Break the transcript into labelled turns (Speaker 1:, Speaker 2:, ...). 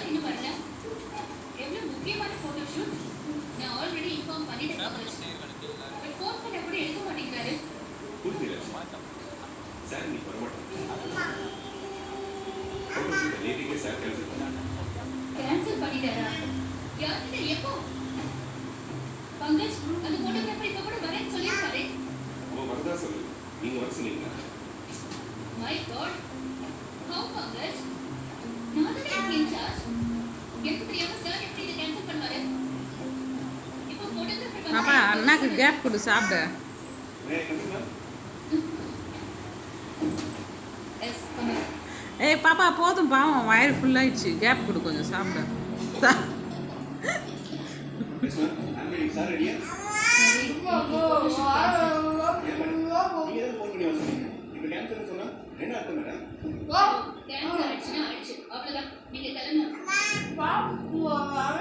Speaker 1: சார் இன்னும் வரல. எவ்வளவு முக்கியமான போட்டோ ஷூட். நான் ஆல்ரெடி இன்ஃபார்ம் பண்ணிட்டேன். பட் ஃபோன் பண்ண கூட எடுக்க மாட்டேங்கிறாரு.
Speaker 2: புரியல. சார் நீ வரமாட்டேன். போட்டோ ஷூட் நேத்திக்கே சார் கேன்சல் பண்ணாங்க.
Speaker 1: கேன்சல் பண்ணிட்டாரா? யார்கிட்ட எப்போ? பங்கஜ் அந்த போட்டோகிராஃபர் இப்ப கூட வரேன்னு சொல்லியிருக்காரு.
Speaker 2: அவன் வரதா சொல்லு. நீங்க வர சொன்னீங்களா?
Speaker 1: My God. ஹவ் பங்கஜ்? நான் தான் இன்சார்ஜ். எனக்கு தெரியாம சார் எப்படி இதை கேன்சல் பண்ணுவாரு? இப்போ போட்டோகிராஃபர்
Speaker 3: பாப்பா அண்ணாக்கு கேப் கொடு சாப்பிட. ஏய் பாப்பா போதும் பாவம் வயிறு ஃபுல்லாயிடுச்சு. கேப் கொடு கொஞ்சம் சாப்பிட.
Speaker 2: சார் ரெடியா? கேன்சல் சொன்னா என்ன அர்த்தம் மேடம்?
Speaker 1: கேன்சல் ஆயிடுச்சுன்னா ஆயிடுச்சு. அவ்வளவுதான். நீங்க கிளம்பணும்.